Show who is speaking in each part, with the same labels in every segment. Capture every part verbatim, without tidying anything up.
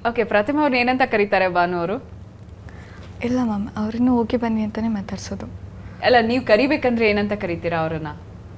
Speaker 1: Okay, ಪ್ರತಿಮಾ ಅವ್ರನ್ನ ಏನಂತ ಕರೀತಾರೆ ಭಾನು ಅವರು?
Speaker 2: ಇಲ್ಲ ಮ್ಯಾಮ್, ಅವ್ರನ್ನೂ ಹೋಗಿ ಬನ್ನಿ ಅಂತಲೇ ಮಾತಾಡ್ಸೋದು.
Speaker 1: ಅಲ್ಲ, ನೀವು ಕರಿಬೇಕಂದ್ರೆ ಏನಂತ ಕರಿತೀರಾ ಅವ್ರನ್ನ?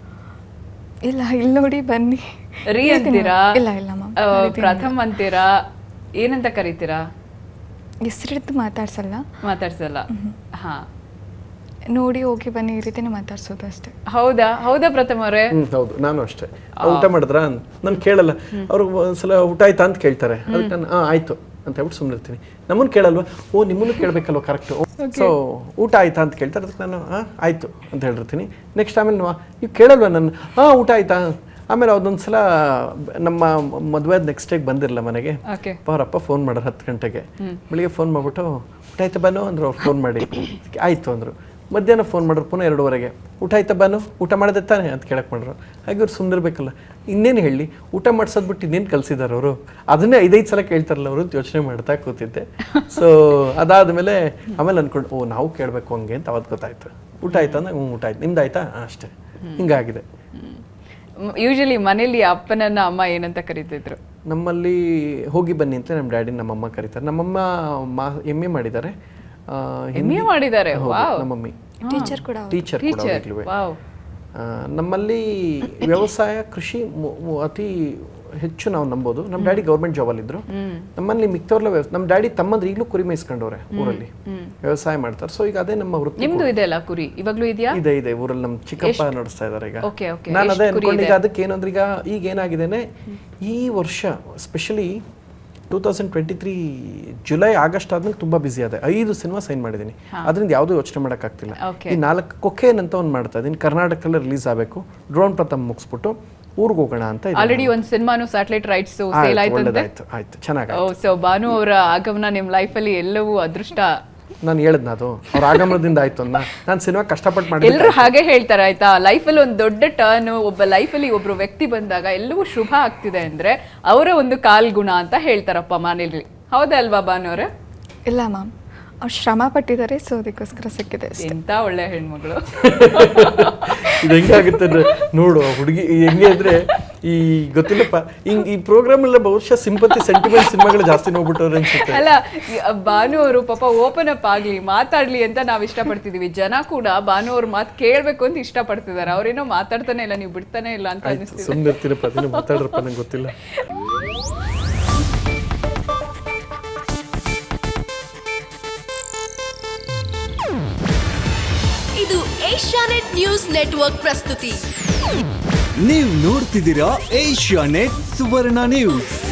Speaker 2: ಇಲ್ಲ, ಇಲ್ಲಿ ನೋಡಿ ಬನ್ನಿ
Speaker 1: ರೀ ಅಂತೀರಾ?
Speaker 2: ಇಲ್ಲ ಇಲ್ಲ ಮ್ಯಾಮ್,
Speaker 1: ಪ್ರಥಮ್ ಅಂತೀರಾ? ಏನಂತ ಕರಿತೀರಾ?
Speaker 2: ಹೆಸರಿದ್ದು ಮಾತಾಡ್ಸಲ್ಲ.
Speaker 1: ಮಾತಾಡ್ಸಲ್ಲ. ಹಾ,
Speaker 2: ನೋಡಿ ಹೋಗಿ ಬನ್ನಿ ಈ ರೀತಿನೇ ಮಾತಾಡ್ಸೋದು ಅಷ್ಟೇ.
Speaker 1: ಹೌದಾ? ಹೌದಾ ಪ್ರಥಮ್ ಅವರೇ?
Speaker 3: ಹ್ಮ್ ಹೌದು, ನಾನು ಅಷ್ಟೇ. ಊಟ ಮಾಡಿದ್ರ ನಾನು ಕೇಳಲ್ಲ, ಅವ್ರು ಒಂದ್ಸಲ ಊಟ ಆಯ್ತಾ ಅಂತ ಕೇಳ್ತಾರೆ, ಅದಕ್ಕೆ ನಾನು ಹಾಂ ಆಯ್ತು ಅಂತ ಹೇಳ್ಬಿಟ್ಟು ಸುಮ್ಮನೆ ಇರ್ತೀನಿ. ನಮ್ಮನ್ನು ಕೇಳಲ್ವಾ? ಓ ನಿಮ್ಮನ್ನು ಕೇಳಬೇಕಲ್ವ, ಕರೆಕ್ಟು. ಸೊ ಊಟ ಆಯ್ತಾ ಅಂತ ಕೇಳ್ತಾರೆ, ಅದಕ್ಕೆ ನಾನು ಹಾಂ ಆಯ್ತು ಅಂತ ಹೇಳಿರ್ತೀನಿ. ನೆಕ್ಸ್ಟ್ ಆಮೇಲೆ ನೀವು ಕೇಳಲ್ವಾ ನನ್ನ? ಹಾಂ ಊಟ ಆಯ್ತಾ? ಆಮೇಲೆ ಅದೊಂದು ಸಲ ನಮ್ಮ ಮದುವೆ ನೆಕ್ಸ್ಟ್ ಡೇಗೆ ಬಂದಿರಲ್ಲ ಮನೆಗೆ, ಅವರಪ್ಪ ಫೋನ್ ಮಾಡೋರು ಹತ್ತು ಗಂಟೆಗೆ. ಬೆಳಿಗ್ಗೆ ಫೋನ್ ಮಾಡಿಬಿಟ್ಟು ಊಟ ಆಯ್ತಾ ಬಾನು ಅಂದರು. ಅವ್ರು ಫೋನ್ ಮಾಡಿ ಆಯಿತು ಅಂದರು. ಮಧ್ಯಾಹ್ನ ಫೋನ್ ಮಾಡಿದ್ರು ಪುನಃ ಎರಡೂವರೆಗೆ, ಊಟ ಆಯ್ತಾ ಬಾನು, ಊಟ ಮಾಡಿದೆ ತಾನೆ ಅಂತ ಕೇಳಕ್ಕೆ ಮಾಡ್ರು. ಹಾಗೆ ಅವ್ರು ಸುಮ್ಮನಿರ್ಬೇಕಲ್ಲ, ಇನ್ನೇನು ಹೇಳಿ, ಊಟ ಮಾಡಿಸೋದ್ಬಿಟ್ಟು ಇನ್ನೇನು ಕಲಿಸಿದಾರೆ ಅವರು? ಅದನ್ನೇ ಐದೈದು ಸಲ ಕೇಳ್ತಾರಲ್ಲ ಅವರು, ಯೋಚನೆ ಮಾಡ್ತಾ ಕೂತಿದ್ದೆ. ಸೊ ಅದಾದಮೇಲೆ ಆಮೇಲೆ ಅಂದ್ಕೊಂಡು ಓ ನಾವು ಕೇಳಬೇಕು ಹಂಗೆ ಅಂತ ಅವತ್ತು ಗೊತ್ತಾಯ್ತು. ಊಟ ಆಯ್ತಾ ಅಂದ್ರೆ ಹ್ಞೂ ಊಟ ಆಯ್ತು, ನಿಮ್ದು ಆಯ್ತಾ? ಅಷ್ಟೇ, ಹಿಂಗಾಗಿದೆ.
Speaker 1: ಯೂಶಲಿ ಮನೇಲಿ ಅಪ್ಪನನ್ನ ಅಮ್ಮ ಏನಂತ ಕರೀತಿದ್ರು?
Speaker 3: ನಮ್ಮಲ್ಲಿ ಹೋಗಿ ಬನ್ನಿ ಅಂತ ನಮ್ಮ ಡ್ಯಾಡಿ ನಮ್ಮಮ್ಮ ಕರೀತಾರೆ. ನಮ್ಮಮ್ಮ ಮಾ ಎಮ್ ಎ ಮಾಡಿದ್ದಾರೆ.
Speaker 1: ಎಮ್ ಎ ಮಾಡಿದ್ದಾರೆ?
Speaker 3: ನಮ್ಮಮ್ಮಿ
Speaker 2: ಟೀಚರ್ ಕೂಡ.
Speaker 3: ಟೀಚರ್ ಕೂಡ. ನಮ್ಮಲ್ಲಿ ವ್ಯವಸಾಯ ಕೃಷಿ ಅತಿ ಹೆಚ್ಚು ನಾವು ನಂಬೋದು. ನಮ್ಮ ಡ್ಯಾಡಿ ಗೌರ್ಮೆಂಟ್ ಜಾಬಲ್ಲಿ ಇದ್ರು. ನಮ್ಮಲ್ಲಿ ಮಿಕ್ತವ್ರಲ್ಲ ವ್ಯವಸಾಯ. ನಮ್ಮ ಡ್ಯಾಡಿ ತಮ್ಮಂದ್ರೆ ಈಗಲೂ ಕುರಿ ಮೇಯಿಸ್ಕೊಂಡವ್ರೆ ಊರಲ್ಲಿ, ವ್ಯವಸಾಯ ಮಾಡ್ತಾರೆ. ಸೊ ಈಗ ಅದೇ ನಮ್ಮ ವೃತ್ತಿ.
Speaker 1: ನಿಮ್ದು ಇದೆ ಅಲ್ಲ ಕುರಿ? ಇವಾಗ್ಲೂ ಇದೆಯಾ?
Speaker 3: ಇದೆ ಇದೆ, ಊರಲ್ಲಿ ನಮ್ಮ ಚಿಕ್ಕಪ್ಪ ನಡೆಸ್ತಾ ಇದಾರೆ ಈಗ.
Speaker 1: Okay okay.
Speaker 3: ನಾನು ಅದೇ ಅನ್ಕೊಂಡು ಈಗ ಅದಕ್ಕೆ ಏನಂದ್ರೆ ಈಗ ಈಗ ಏನಾಗಿದ್ದೇನೆ ಈ ವರ್ಷ specially two thousand twenty three July August ಆದ್ಮೇಲೆ ತುಂಬಾ ಬಿಸಿ ಆದೆ. ಐದು ಸಿನಿಮಾ ಸೈನ್ ಮಾಡಿದ್ದೀನಿ. ಅದರಿಂದ ಯಾವುದೂ ಯೋಚನೆ ಮಾಡೋಕ್ಕಾಗ್ತಿಲ್ಲ. ಈ ನಾಲ್ಕು ಕೊಕೇನ್ ಅಂತ ಒಂದು ಮಾಡ್ತಾ ಇದ್ದೀನಿ, ಕರ್ನಾಟಕದಲ್ಲಿ ರಿಲೀಸ್ ಆಗಬೇಕು. ಡ್ರೋನ್ ಪ್ರಥಮ್ ಮುಗಿಸ್ಬಿಟ್ಟು ಊರಿಗೆ ಹೋಗೋಣ ಅಂತ.
Speaker 1: ಆಲ್ರೆಡಿ ಒಂದು ಸಿನಿಮಾನು ಸ್ಯಾಟಲೈಟ್ ರೈಟ್ಸ್ ಸೇಲ್ ಆಯ್ತು ಅಂತ.
Speaker 3: ಆಯ್ತು ಆಯ್ತು, ಚೆನ್ನಾಗಿ.
Speaker 1: ಓ, ಸೊ ಭಾನು ಅವರ ಆಗಮನ ನಿಮ್ಮ ಲೈಫಲ್ಲಿ ಎಲ್ಲವೂ ಅದೃಷ್ಟ.
Speaker 3: ನಾನು ಹೇಳಿದ್ನ ಅದು ಅವ್ರ ಆಗಮನದಿಂದ ಆಯ್ತು ಅನ್ನ. ನಾನು ಸಿನಿಮಾ ಕಷ್ಟಪಟ್ಟು ಮಾಡಿ
Speaker 1: ಎಲ್ಲರೂ ಹಾಗೆ ಹೇಳ್ತಾರೆ ಆಯ್ತಾ. ಲೈಫಲ್ಲಿ ಒಂದು ದೊಡ್ಡ ಟರ್ನ್, ಒಬ್ಬ ಲೈಫಲ್ಲಿ ಒಬ್ರು ವ್ಯಕ್ತಿ ಬಂದಾಗ ಎಲ್ಲವೂ ಶುಭ ಆಗ್ತಿದೆ ಅಂದ್ರೆ ಅವರ ಒಂದು ಕಾಲ್ಗುಣ ಅಂತ ಹೇಳ್ತಾರಪ್ಪ ಮನೇಲಿ. ಹೌದಾ ಅಲ್ವಾ ಭಾನು ಅವರೇ?
Speaker 2: ಇಲ್ಲ ಮ್ಯಾಮ್, ಅವ್ರು ಶ್ರಮ ಪಟ್ಟಿದ್ದಾರೆ, ಸೊ ಅದಕ್ಕೋಸ್ಕರ ಸಿಕ್ಕಿದೆ.
Speaker 1: ಎಂತ ಒಳ್ಳೆ ಹೆಣ್ಮಗಳು.
Speaker 3: ಇದು ಹೆಂಗಾಗುತ್ತೆ ಅಂದ್ರೆ ನೋಡು ಹುಡುಗಿ ಹೆಂಗೆ ಅಂದ್ರೆ ಈ ಗೊತ್ತಿಲ್ಲಪ್ಪ, ಹಿಂಗ್ ಈ ಪ್ರೋಗ್ರಾಮ್ ಎಲ್ಲ ಬಹುಶಃ ಸಿಂಪತಿ ಸೆಂಟಿಮೆಂಟ್ ಸಿನಿಮಾಗಳು ಜಾಸ್ತಿ ನೋಡ್ಬಿಟ್ಟವ್ರೆ ಅನ್ಸುತ್ತೆ.
Speaker 1: ಅಲ್ಲ, ಭಾನು ಅವರು ಪಾಪ ಓಪನ್ ಅಪ್ ಆಗ್ಲಿ, ಮಾತಾಡ್ಲಿ ಅಂತ ನಾವ್ ಇಷ್ಟಪಡ್ತಿದೀವಿ. ಜನ ಕೂಡ ಭಾನು ಅವ್ರ ಮಾತು ಕೇಳ್ಬೇಕು ಅಂತ ಇಷ್ಟಪಡ್ತಿದ್ದಾರೆ. ಅವ್ರೇನೋ ಮಾತಾಡ್ತಾನೆ ಇಲ್ಲ, ನೀವು ಬಿಡ್ತಾನೆ ಇಲ್ಲ ಅಂತ ಅನಿಸ್ತಿದೆ.
Speaker 3: ಸುಮ್ಮನೆ ಇರ್ತೀರಪ್ಪ, ಅದನ್ನ ಮಾತಾಡ್ರಪ್ಪ, ನಂಗೆ ಗೊತ್ತಿಲ್ಲ.
Speaker 4: ಇದು ಏಷ್ಯಾನೆಟ್ ನ್ಯೂಸ್ ನೆಟ್ವರ್ಕ್ ಪ್ರಸ್ತುತಿ.
Speaker 5: ನೀವು ನೋಡ್ತಿದ್ದೀರಾ ಏಷ್ಯಾನೆಟ್ ಸುವರ್ಣ ನ್ಯೂಸ್.